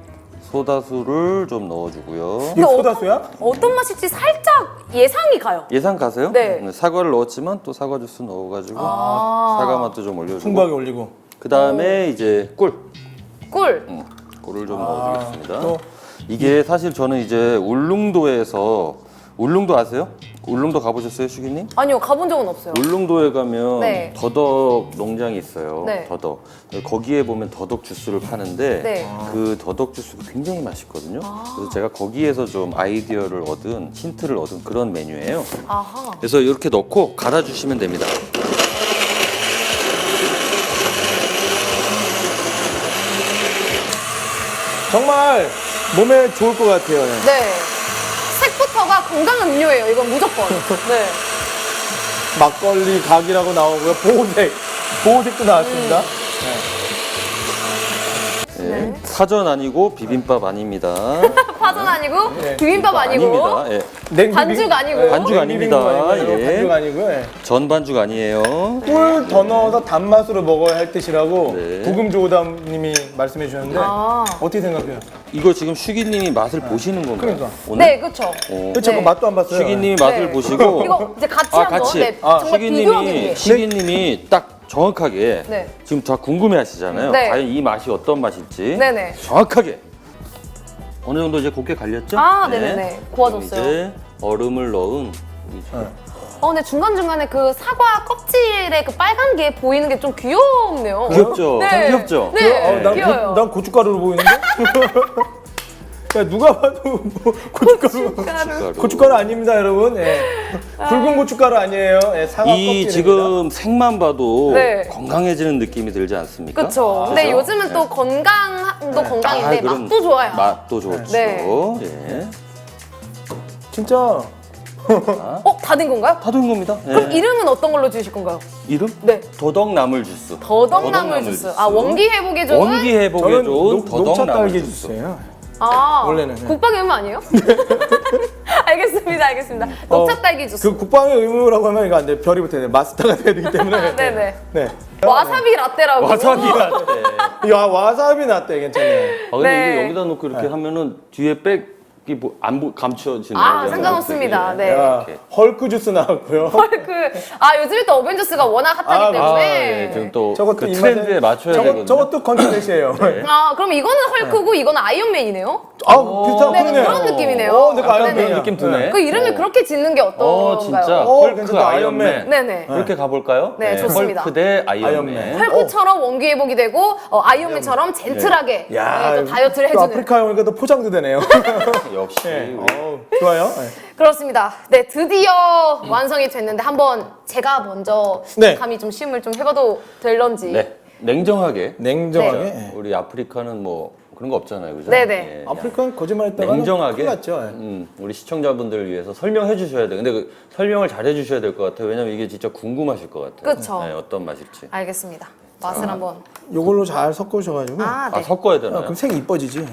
Speaker 3: 소다수를 좀 넣어주고요.
Speaker 2: 이게
Speaker 1: 근데
Speaker 2: 소다수야?
Speaker 1: 어떤 맛일지 살짝 예상이 가요.
Speaker 3: 예상 가세요?
Speaker 1: 네.
Speaker 3: 사과를 넣었지만 또 사과 주스 넣어가지고
Speaker 1: 아.
Speaker 3: 사과 맛도 좀 올려주고.
Speaker 2: 풍부하게 올리고.
Speaker 3: 그 다음에 이제 꿀.
Speaker 1: 꿀.
Speaker 3: 음, 꿀을 좀
Speaker 2: 아,
Speaker 3: 넣어주겠습니다.
Speaker 2: 또
Speaker 3: 이게 사실 저는 이제 울릉도에서 울릉도 아세요? 울릉도 가보셨어요, 슈기님?
Speaker 1: 아니요, 가본 적은 없어요.
Speaker 3: 울릉도에 가면
Speaker 1: 네.
Speaker 3: 더덕 농장이 있어요.
Speaker 1: 네.
Speaker 3: 더덕. 거기에 보면 더덕 주스를 파는데
Speaker 1: 네.
Speaker 3: 그 더덕 주스가 굉장히 맛있거든요. 그래서 제가 거기에서 좀 아이디어를 얻은 힌트를 얻은 그런 메뉴예요.
Speaker 1: 아하.
Speaker 3: 그래서 이렇게 넣고 갈아주시면 됩니다.
Speaker 2: 정말 몸에 좋을 것 같아요. 네.
Speaker 1: 네. 색부터가 건강한 음료예요. 이건 무조건. 네.
Speaker 2: 막걸리 각이라고 나오고요. 보호색. 보호색도 나왔습니다.
Speaker 3: 예. 파전 아니고 비빔밥 아닙니다.
Speaker 1: 파전 아니고
Speaker 2: 네.
Speaker 1: 비빔밥 아니고
Speaker 3: 아닙니다. 예.
Speaker 2: 냉비
Speaker 1: 반죽
Speaker 2: 비-
Speaker 1: 아니고.
Speaker 2: 네,
Speaker 3: 반죽
Speaker 2: 냉비 비빔밥
Speaker 3: 아닙니다.
Speaker 2: 아니고요.
Speaker 3: 예.
Speaker 2: 반죽 아니고요. 예.
Speaker 3: 전 반죽 아니에요.
Speaker 2: 꿀 더 넣어서 단맛으로 먹어야 할 뜻이라고
Speaker 3: 네.
Speaker 2: 부금조담님이 말씀해 주셨는데
Speaker 1: 아.
Speaker 2: 어떻게 생각해요?
Speaker 3: 이거 지금 슈기님이 맛을 보시는 건가요?
Speaker 2: 그러니까.
Speaker 3: 오늘?
Speaker 1: 네, 그렇죠.
Speaker 3: 어.
Speaker 2: 그렇죠.
Speaker 1: 네.
Speaker 2: 그 맛도 안 봤어요.
Speaker 3: 슈기님이 맛을
Speaker 1: 네.
Speaker 3: 보시고
Speaker 1: 이거 이제 같이
Speaker 3: 아
Speaker 1: 한번
Speaker 3: 같이
Speaker 1: 네,
Speaker 3: 아,
Speaker 1: 정말 비교하기
Speaker 3: 슈기님이
Speaker 1: 위해.
Speaker 3: 슈기님이 딱 정확하게
Speaker 1: 네.
Speaker 3: 지금 다 궁금해하시잖아요.
Speaker 1: 네.
Speaker 3: 과연 이 맛이 어떤 맛일지
Speaker 1: 네네.
Speaker 3: 정확하게 어느 정도 이제 곱게 갈렸죠?
Speaker 1: 아, 네네네. 구워졌어요.
Speaker 3: 그럼 이제 얼음을 넣은 이
Speaker 2: 네.
Speaker 1: 어, 근데 중간중간에 그 사과 껍질에 그 빨간 게 보이는 게 좀 귀엽네요.
Speaker 3: 귀엽죠?
Speaker 1: 네.
Speaker 3: 참 귀엽죠?
Speaker 1: 네.
Speaker 2: 어, 난,
Speaker 1: 귀여워요.
Speaker 2: 고, 난 고춧가루로 보이는데? 야, 누가 봐도 뭐 고춧가루.
Speaker 1: 고춧가루.
Speaker 2: 고춧가루 아닙니다, 여러분. 예. 붉은 고춧가루 아니에요. 예, 사과
Speaker 3: 이
Speaker 2: 껍질입니다.
Speaker 3: 지금 색만 봐도
Speaker 1: 네.
Speaker 3: 건강해지는 느낌이 들지 않습니까?
Speaker 1: 그쵸.
Speaker 3: 아,
Speaker 1: 근데
Speaker 3: 그죠?
Speaker 1: 요즘은 또 건강 건강도 건강인데
Speaker 3: 아, 그럼
Speaker 1: 맛도 좋아요.
Speaker 3: 맛도 좋죠.
Speaker 1: 네.
Speaker 3: 예.
Speaker 2: 진짜
Speaker 1: 어, 다 된 건가요?
Speaker 3: 다 된 겁니다. 예.
Speaker 1: 그럼 이름은 어떤 걸로 지으실 건가요?
Speaker 3: 이름?
Speaker 1: 네.
Speaker 3: 더덕나물 주스.
Speaker 1: 더덕나물 주스. 아, 원기 회복에 좋은?
Speaker 3: 원기 회복에
Speaker 2: 저는
Speaker 3: 좋은
Speaker 2: 녹, 녹차
Speaker 3: 더덕나물
Speaker 2: 딸기
Speaker 3: 주스.
Speaker 2: 주스예요.
Speaker 1: 아,
Speaker 2: 원래는, 네.
Speaker 1: 국방의 의무 아니에요? 알겠습니다, 알겠습니다. 녹차 딸기 주스.
Speaker 2: 그 국방의 의무라고 하면 이거 안 돼. 별이 붙어야 돼. 마스터가 돼야 되기 때문에.
Speaker 1: 네네.
Speaker 2: 네.
Speaker 1: 와사비 라떼라고.
Speaker 3: 와사비 라떼.
Speaker 2: 야, 와사비 나떼 괜찮네.
Speaker 3: 아 근데
Speaker 1: 네.
Speaker 3: 이게 여기다 놓고 이렇게 하면은 뒤에 백이 뭐 안 감춰지는
Speaker 1: 아,
Speaker 3: 거죠.
Speaker 1: 상관없습니다. 네.
Speaker 2: 야,
Speaker 3: 이렇게.
Speaker 2: 헐크 주스 나왔고요.
Speaker 1: 그, 아, 요즘에 또 어벤져스가 워낙 핫하기
Speaker 2: 아,
Speaker 1: 때문에.
Speaker 3: 아, 예. 지금 또
Speaker 2: 저것도
Speaker 3: 그
Speaker 2: 입맛에-
Speaker 3: 트렌드에 맞춰야
Speaker 2: 저거,
Speaker 3: 되거든요.
Speaker 2: 저것도 컨텐츠예요.
Speaker 1: 아, 그럼 이거는 헐크고 이거는 아이언맨이네요?
Speaker 2: 아, 비슷한
Speaker 1: 네,
Speaker 2: 그러네.
Speaker 1: 그런 느낌이네요.
Speaker 2: 어, 내가
Speaker 1: 약간
Speaker 2: 아이언맨이야.
Speaker 3: 그런 느낌 드네.
Speaker 1: 그 이름을
Speaker 3: 어.
Speaker 1: 그렇게 짓는 게 어떤가요?
Speaker 3: 어 진짜
Speaker 2: 어,
Speaker 3: 헐크
Speaker 2: 괜찮다.
Speaker 3: 아이언맨.
Speaker 2: 아이언맨.
Speaker 1: 네네.
Speaker 3: 이렇게 가볼까요?
Speaker 1: 네, 좋습니다.
Speaker 3: 헐크 대 아이언맨.
Speaker 2: 아이언맨.
Speaker 1: 헐크처럼 원기 회복이 되고 어, 아이언맨처럼 젠틀하게
Speaker 2: 야,
Speaker 1: 네, 또 다이어트를
Speaker 2: 또
Speaker 1: 해주는.
Speaker 2: 아프리카 오니까 또 포장도 되네요.
Speaker 3: 역시
Speaker 2: 네.
Speaker 3: 우리
Speaker 2: 어, 좋아요. 네.
Speaker 1: 그렇습니다. 네, 드디어 완성이 됐는데 한번 제가 먼저
Speaker 2: 네.
Speaker 1: 감히 좀 시음을 좀 해봐도 될런지.
Speaker 3: 네 냉정하게
Speaker 2: 냉정하게.
Speaker 1: 네.
Speaker 2: 네.
Speaker 3: 우리 아프리카는 뭐 그런 거 없잖아요, 그죠?
Speaker 1: 네네.
Speaker 3: 예,
Speaker 2: 아프리카는 거짓말했다가
Speaker 3: 냉정하게
Speaker 2: 큰일 났죠. 네.
Speaker 3: 음, 우리 시청자분들을 위해서 설명해 주셔야 돼요. 근데 그 설명을 잘 해주셔야 될 것 같아요. 왜냐면 이게 진짜 궁금하실 것 같아요.
Speaker 1: 그쵸.
Speaker 3: 네, 어떤 맛일지.
Speaker 1: 알겠습니다. 맛을 한번.
Speaker 2: 요걸로 잘 섞으셔가지고.
Speaker 1: 아,
Speaker 3: 아
Speaker 1: 네.
Speaker 3: 섞어야
Speaker 2: 아,
Speaker 3: 되나요?
Speaker 2: 그럼 색이 이뻐지지.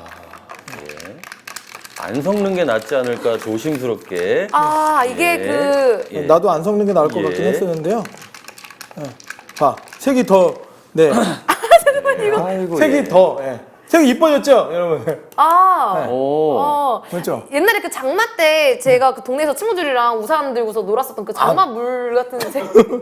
Speaker 3: 안 섞는 게 낫지 않을까 조심스럽게.
Speaker 1: 아, 이게
Speaker 3: 예.
Speaker 1: 그.
Speaker 3: 예.
Speaker 2: 나도 안 섞는 게 나을 것
Speaker 3: 예.
Speaker 2: 같긴 했었는데요. 네. 봐, 색이 더, 네.
Speaker 3: 아이고,
Speaker 2: 색이
Speaker 3: 예.
Speaker 2: 더, 예. 색이 이뻐졌죠, 여러분?
Speaker 1: 아.
Speaker 3: 오.
Speaker 1: 어.
Speaker 2: 그렇죠?
Speaker 1: 옛날에 그 장마 때 제가 그 동네에서 친구들이랑 우산 들고서 놀았었던 그 장마
Speaker 2: 아.
Speaker 1: 물 같은 색.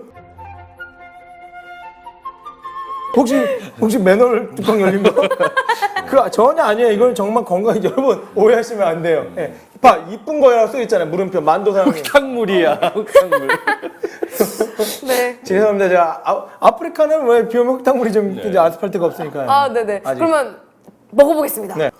Speaker 2: 혹시, 혹시 맨홀 뚜껑 열린 거? 그 전혀 아니에요. 이건 정말 건강해. 여러분, 오해하시면 안 돼요. 예. 봐, 이쁜 거라고 써있잖아요. 물음표, 만도 사장님.
Speaker 3: 흙탕물이야, 흙탕물.
Speaker 1: 네.
Speaker 2: 죄송합니다. 제가 아, 아프리카는 왜 비 오면 흙탕물이 좀 이제 아스팔트가 없으니까.
Speaker 1: 아, 네네.
Speaker 2: 아직.
Speaker 1: 그러면 먹어보겠습니다.
Speaker 2: 네.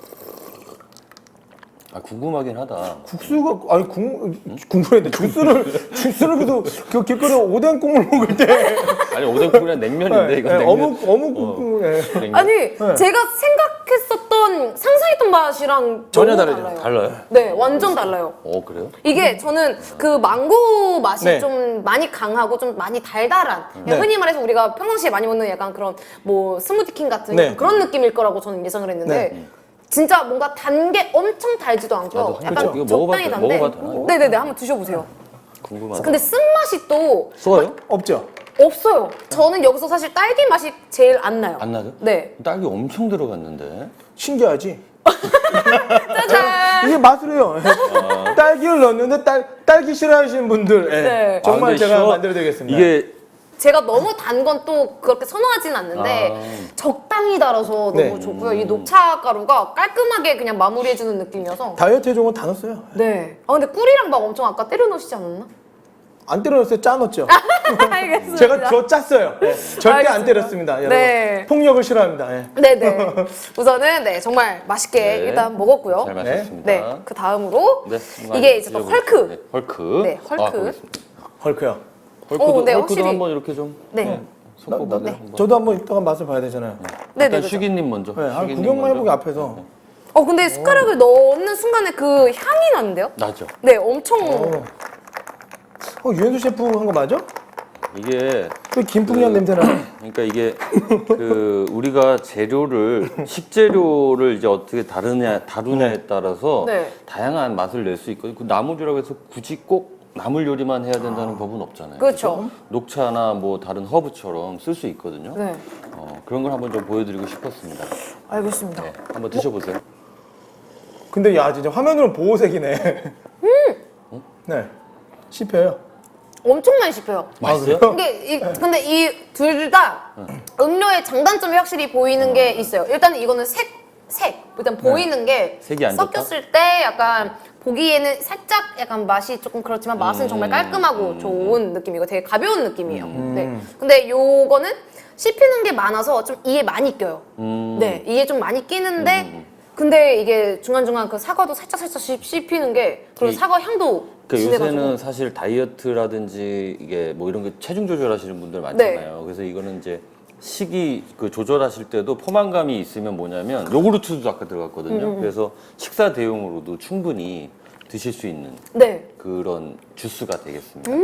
Speaker 3: 아 궁금하긴 하다.
Speaker 2: 국수가 아니 국 국물인데 주스를 주스를 그래도 그 길거리 오뎅 국물 먹을 때
Speaker 3: 아니 오뎅국이랑 냉면인데 이거
Speaker 2: 네,
Speaker 3: 냉면.
Speaker 2: 어묵 어묵 국물 예.
Speaker 3: 냉면.
Speaker 1: 아니,
Speaker 2: 네.
Speaker 1: 제가 생각했었던, 상상했던 맛이랑
Speaker 2: 전혀
Speaker 1: 너무
Speaker 2: 다르죠.
Speaker 1: 달라요.
Speaker 3: 달라요?
Speaker 1: 네, 완전 달라요.
Speaker 3: 어 그래요?
Speaker 1: 이게 저는 그 망고 맛이
Speaker 2: 네.
Speaker 1: 좀 많이 강하고 좀 많이 달달한 그냥
Speaker 2: 네.
Speaker 1: 흔히 말해서 우리가 평상시에 많이 먹는 약간 그런 뭐 스무디킹 같은
Speaker 2: 네.
Speaker 1: 그런 느낌일 거라고 저는 예상을 했는데
Speaker 2: 네.
Speaker 1: 진짜 뭔가 단 게 엄청 달지도 않고
Speaker 3: 나도
Speaker 1: 약간
Speaker 3: 그렇죠. 이거
Speaker 1: 적당히
Speaker 3: 먹어봐도-
Speaker 1: 단데
Speaker 3: 먹어봐도 되나요?
Speaker 1: 네네네 한번 드셔보세요.
Speaker 3: 궁금하다.
Speaker 1: 근데 쓴맛이 또
Speaker 3: 써요?
Speaker 2: 없죠.
Speaker 1: 없어요. 저는 여기서 사실 딸기 맛이 제일 안 나요.
Speaker 3: 안 나죠?
Speaker 1: 네.
Speaker 3: 딸기 엄청 들어갔는데.
Speaker 2: 신기하지.
Speaker 1: 짜잔.
Speaker 2: 이게 맛으로요. 딸기를 넣었는데 딸 딸기 싫어하시는 분들 예.
Speaker 1: 네.
Speaker 2: 정말
Speaker 3: 아, 근데
Speaker 2: 제가
Speaker 3: 시원-
Speaker 2: 만들어드리겠습니다.
Speaker 3: 이게
Speaker 1: 제가 너무 단 건 또 그렇게 선호하진 않는데
Speaker 3: 아.
Speaker 1: 적당히 달아서 너무
Speaker 2: 네.
Speaker 1: 좋고요. 이 녹차 가루가 깔끔하게 그냥 마무리해주는 느낌이어서
Speaker 2: 다이어트에 좋은 건 다 넣었어요.
Speaker 1: 네. 아 근데 꿀이랑 막 엄청 아까 때려 넣으시지 않았나?
Speaker 2: 안 때려 넣었어요. 짜 넣었죠.
Speaker 1: 알겠습니다.
Speaker 2: 제가 저 짰어요. 예. 절대
Speaker 1: 알겠습니다.
Speaker 2: 안 때렸습니다. 여러분.
Speaker 1: 네.
Speaker 2: 폭력을 싫어합니다. 예.
Speaker 1: 네네. 우선은 네 정말 맛있게
Speaker 3: 네.
Speaker 1: 일단 먹었고요.
Speaker 3: 잘
Speaker 2: 네.
Speaker 3: 마셨습니다.
Speaker 1: 네. 그 다음으로
Speaker 3: 네,
Speaker 1: 이게 이제 또
Speaker 3: 드셔보세요.
Speaker 1: 헐크.
Speaker 3: 네, 헐크.
Speaker 1: 네, 헐크.
Speaker 3: 아, 보겠습니다.
Speaker 2: 헐크요.
Speaker 3: 헐크도,
Speaker 1: 오, 네,
Speaker 3: 헐크도
Speaker 1: 확실히.
Speaker 3: 한번 이렇게 좀
Speaker 1: 네.
Speaker 2: 나,
Speaker 3: 섞어보세요.
Speaker 2: 나,
Speaker 3: 한번.
Speaker 2: 저도 한번 이따가 맛을 봐야 되잖아요.
Speaker 1: 네네.
Speaker 3: 일단
Speaker 1: 그죠.
Speaker 3: 슈기님 먼저.
Speaker 2: 네, 한
Speaker 3: 슈기님
Speaker 2: 구경만
Speaker 3: 먼저.
Speaker 2: 해보기 앞에서.
Speaker 1: 어 근데 숟가락을 넣는 순간에 그 향이 나는데요?
Speaker 3: 나죠.
Speaker 1: 네, 엄청.
Speaker 2: 어, 어 유현수 셰프 한 거 맞아?
Speaker 3: 이게
Speaker 2: 왜 김풍년 냄새 나요?
Speaker 3: 그러니까 이게 그 우리가 재료를 식재료를 이제 어떻게 다루냐 다루냐에 따라서
Speaker 1: 네.
Speaker 3: 다양한 맛을 낼 수 있거든요. 그 나물 요리라고 해서 굳이 꼭 나물 요리만 해야 된다는 법은 없잖아요.
Speaker 1: 그렇죠.
Speaker 3: 녹차나 뭐 다른 허브처럼 쓸 수 있거든요.
Speaker 1: 네.
Speaker 3: 어, 그런 걸 한번 좀 보여드리고 싶었습니다.
Speaker 1: 알겠습니다.
Speaker 3: 네, 한번 드셔보세요.
Speaker 2: 근데 야 진짜 화면으로는 보호색이네.
Speaker 1: 음!
Speaker 2: 네. 씹혀요.
Speaker 1: 엄청 많이 씹혀요.
Speaker 3: 맛있어요?
Speaker 1: 근데 이, 근데 이 둘 다 음료의 장단점이 확실히 보이는 게 있어요. 일단 이거는 색, 색. 일단 보이는 게
Speaker 3: 색이 안 좋다?
Speaker 1: 섞였을 때 약간 보기에는 살짝 약간 맛이 조금 그렇지만 맛은 정말 깔끔하고 좋은 느낌이고 되게 가벼운 느낌이에요. 네. 근데 요거는 씹히는 게 많아서 좀 이에 많이 껴요.
Speaker 3: 음.
Speaker 1: 네. 이에 좀 많이 끼는데 근데 이게 중간중간 그 사과도 살짝 살짝 씹, 씹히는 게 그리고
Speaker 3: 이-
Speaker 1: 사과 향도
Speaker 3: 그
Speaker 1: 진해가지고.
Speaker 3: 요새는 사실 다이어트라든지 이게 뭐 이런 게 체중 조절하시는 분들 많잖아요. 그래서 이거는 이제 식이 그 조절하실 때도 포만감이 있으면 뭐냐면 요구르트도 아까 들어갔거든요. 그래서 식사 대용으로도 충분히 드실 수 있는
Speaker 1: 네.
Speaker 3: 그런 주스가 되겠습니다.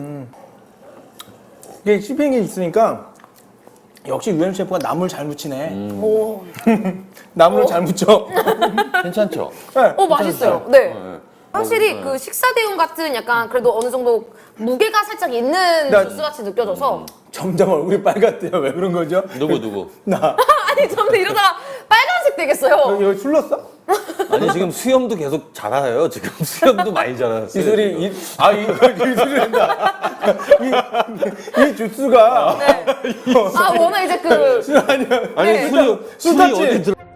Speaker 2: 이게 씹히는 게 있으니까 역시 유엠 셰프가 나물 잘 묻히네.
Speaker 1: 오.
Speaker 2: 나물을 잘 묻혀.
Speaker 3: 괜찮죠?
Speaker 2: 네.
Speaker 1: 어, 맛있어요. 네.
Speaker 3: 네.
Speaker 1: 확실히
Speaker 3: 네.
Speaker 1: 그 식사 대용 같은 약간 그래도 어느 정도 무게가 살짝 있는
Speaker 2: 나-
Speaker 1: 주스 같이 느껴져서
Speaker 2: 점점 얼굴이 빨갛대요. 왜 그런 거죠?
Speaker 3: 누구 누구?
Speaker 2: 나
Speaker 1: 아니 저는 이러다가 빨간색 되겠어요.
Speaker 2: 여기, 여기 술 넣었어?
Speaker 3: 아니 지금 수염도 계속 자라요. 지금 수염도 많이 자랐어요.
Speaker 2: 이 소리
Speaker 3: 지금.
Speaker 2: 이, 아 이거 이 소리 한다. 이, 이 주스가
Speaker 1: 네. 아 워낙 이제 그
Speaker 2: 술 아니야.
Speaker 3: 아니
Speaker 1: 네.
Speaker 3: 술이
Speaker 2: 술
Speaker 3: 술이
Speaker 2: 탔지?
Speaker 3: 어디 들어?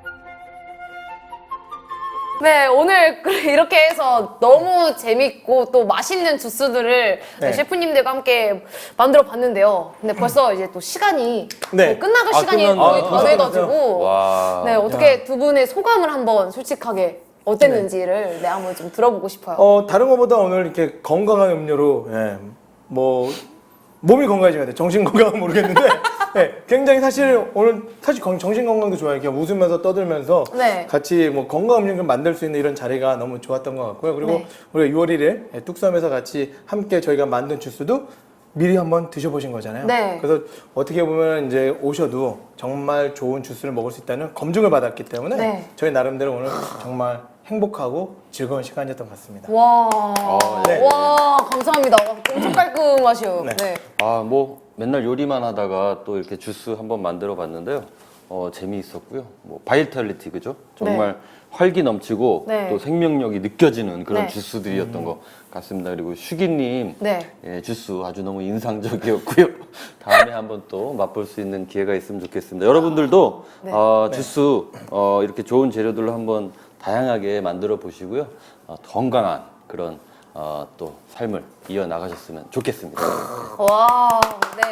Speaker 1: 네, 오늘 그- 이렇게 해서 너무 재밌고 또 맛있는 주스들을
Speaker 2: 네.
Speaker 1: 셰프님들과 함께 만들어 봤는데요. 근데 벌써 이제 또 시간이
Speaker 2: 네.
Speaker 1: 거의 끝나갈
Speaker 3: 아,
Speaker 1: 시간이
Speaker 3: 끝났네.
Speaker 1: 거의
Speaker 3: 아,
Speaker 1: 다 돼가지고
Speaker 3: 와.
Speaker 1: 네, 어떻게 두 분의 소감을 한번 솔직하게 어땠는지를 네, 한번 좀 들어보고 싶어요.
Speaker 2: 어 다른 것보다 오늘 이렇게 건강한 음료로 예, 뭐 몸이 건강해져야 돼. 정신 건강은 모르겠는데 예, 굉장히 사실 오늘 사실 건- 정신 건강도 좋아요. 그냥 웃으면서 떠들면서
Speaker 1: 네.
Speaker 2: 같이 뭐 건강 음료를 만들 수 있는 이런 자리가 너무 좋았던 것 같고요. 그리고
Speaker 1: 네.
Speaker 2: 우리가 유월 일일 예, 뚝섬에서 같이 함께 저희가 만든 주스도 미리 한번 드셔보신 거잖아요.
Speaker 1: 네.
Speaker 2: 그래서 어떻게 보면 이제 오셔도 정말 좋은 주스를 먹을 수 있다는 검증을 받았기 때문에
Speaker 1: 네.
Speaker 2: 저희 나름대로 오늘 정말 행복하고 즐거운 시간이었던 것 같습니다.
Speaker 1: 와,
Speaker 2: 네.
Speaker 1: 와 감사합니다. 와, 엄청 깔끔하셔요.
Speaker 2: 네.
Speaker 1: 네.
Speaker 3: 아, 뭐 맨날 요리만 하다가 또 이렇게 주스 한번 만들어 봤는데요. 어, 재미있었고요. 뭐 바이탈리티 그죠? 정말 활기 넘치고
Speaker 1: 네.
Speaker 3: 또 생명력이 느껴지는 그런
Speaker 1: 네.
Speaker 3: 주스들이었던 것 같습니다. 그리고 슈기님
Speaker 1: 네.
Speaker 3: 예, 주스 아주 너무 인상적이었고요. 다음에 한번 또 맛볼 수 있는 기회가 있으면 좋겠습니다. 여러분들도
Speaker 1: 네.
Speaker 3: 어, 주스 어, 이렇게 좋은 재료들로 한번 다양하게 만들어 보시고요. 어, 건강한 그런 어, 또 삶을 이어 나가셨으면 좋겠습니다.
Speaker 1: 와, 네.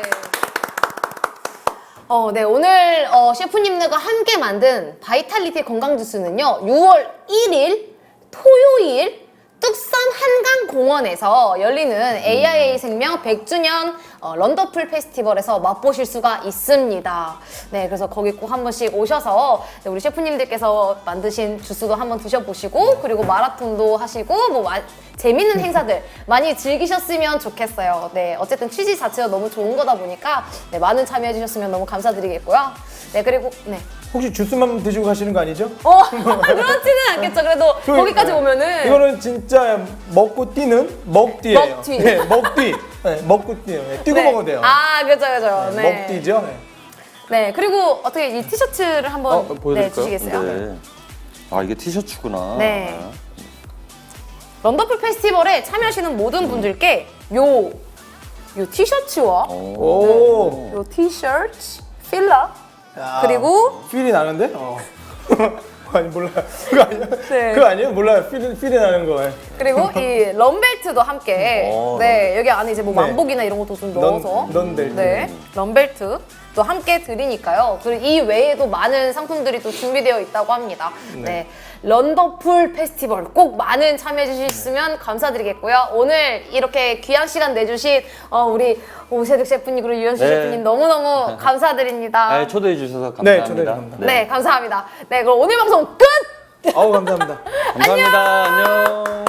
Speaker 1: 어, 네. 오늘 어, 셰프님들과 함께 만든 바이탈리티 건강 주스는요. 유월 일일 토요일 뚝섬 한강공원에서 열리는 에이아이에이 생명 백 주년 어, 런더풀 페스티벌에서 맛보실 수가 있습니다. 네, 그래서 거기 꼭 한 번씩 오셔서 네, 우리 셰프님들께서 만드신 주스도 한번 드셔보시고 그리고 마라톤도 하시고 뭐 마- 재밌는 행사들 많이 즐기셨으면 좋겠어요. 네, 어쨌든 취지 자체가 너무 좋은 거다 보니까 네, 많은 참여해 주셨으면 너무 감사드리겠고요. 네, 그리고 네.
Speaker 2: 혹시 주스만 드시고 가시는 거 아니죠?
Speaker 1: 어, 그렇지는 않겠죠. 그래도
Speaker 2: 저희-
Speaker 1: 거기까지
Speaker 2: 네.
Speaker 1: 오면은
Speaker 2: 이거는 진짜 먹고 뛰는 먹뛰예요.
Speaker 1: 먹뛰.
Speaker 2: 네, 먹뛰. 네, 먹고 뛰요. 네, 뛰고
Speaker 1: 네.
Speaker 2: 먹어도 돼요.
Speaker 1: 아, 그죠, 그죠.
Speaker 2: 네,
Speaker 1: 네.
Speaker 2: 먹뛰죠. 네.
Speaker 1: 네, 그리고 어떻게 이 티셔츠를 한번
Speaker 3: 어,
Speaker 1: 네,
Speaker 3: 보여드릴까요?
Speaker 1: 주시겠어요?
Speaker 3: 네. 아 이게 티셔츠구나.
Speaker 1: 네. 런더풀 페스티벌에 참여하시는 모든 분들께 요, 요 티셔츠와
Speaker 3: 오.
Speaker 2: 오.
Speaker 1: 요 티셔츠, 필러,
Speaker 2: 야,
Speaker 1: 그리고
Speaker 2: 필이 나는데? 어. 아니 몰라요. 그거 아니에요?
Speaker 1: 네.
Speaker 2: 그거 아니에요? 몰라요. 필이 필이 나는 거.
Speaker 1: 그리고 이 런벨트도 함께
Speaker 3: 어,
Speaker 1: 네 여기 안에 이제 뭐
Speaker 2: 네.
Speaker 1: 만복이나 이런 것도 좀 넣어서
Speaker 2: 넌 벨트.
Speaker 1: 네 런벨트 또 함께 드리니까요. 그리고 이 외에도 많은 상품들이 또 준비되어 있다고 합니다. 네, 런더풀 페스티벌 꼭 많은 참여해 주셨으면 감사드리겠고요. 오늘 이렇게 귀한 시간 내주신 어, 우리 오세득 셰프님 그리고 유현수
Speaker 3: 네.
Speaker 1: 셰프님 너무너무 감사드립니다.
Speaker 3: 아, 초대해 주셔서
Speaker 2: 네,
Speaker 3: 감사합니다.
Speaker 2: 초대해 주셔서
Speaker 1: 네, 감사합니다. 네, 그럼 오늘 방송 끝!
Speaker 2: 아우 감사합니다.
Speaker 3: 감사합니다. 안녕.